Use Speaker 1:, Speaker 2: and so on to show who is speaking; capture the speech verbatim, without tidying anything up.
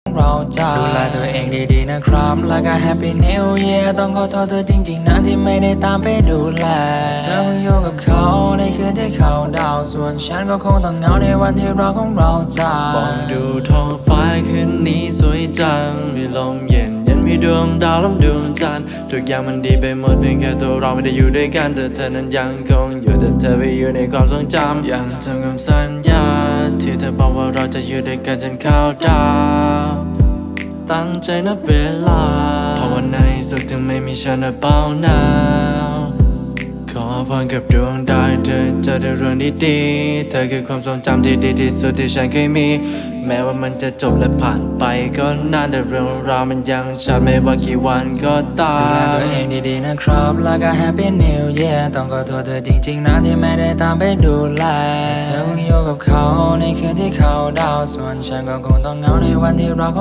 Speaker 1: เราจะดูแลตัวเองดีๆนะครับแล้วก็ Happy New Year ต้องขอโทษเธอจริงๆนะที่ไม่ได้ตามไปดูแลเธอคงอยู่กับเขาในคืนที่เขาดาวส่วนฉันก็คงต้องเหงาในวันที่เราของเราจะ
Speaker 2: มองดูท้องฟ้าคืนนี้สวยจังมีลมเย็นยันมีดวงดาวล้อมดวงจันทร์ทุกอย่างมันดีไปหมดเพียงแค่ตัวเราไม่ได้อยู่ด้วยกันแต่เธอนั้นยังคงอยู่แต่เธอไปอยู่ในความทรงจำยังจำคำสัญญาที่เธอบอกว่าเราจะอยู่ด้วยกันจนเข้าดาวตั้งใจนับเวลาเพราะวันในสุขถึงไม่มีฉันและเบาหนาวขอพรกับดวงดาวเธอเจอแต่เรื่องดีๆเธอคือความทรงจำที่ดีที่สุดที่ฉันเคยมีแม้ว่ามันจะจบและผ่านไปก็นานแต่เรื่องราวมันยังชัดไม่ว่ากี่วันก็ตาม
Speaker 1: ดูแลตัวเองดีๆนะครับแล้วก็ Happy New Year ต้องขอโทษเธอจริงๆนะที่ไม่ได้ตามไปดูแลเธอคงอยู่กับเขาในคืนที่เขาดาวส่วนฉันก็คงต้องเหงาในวันที่เรา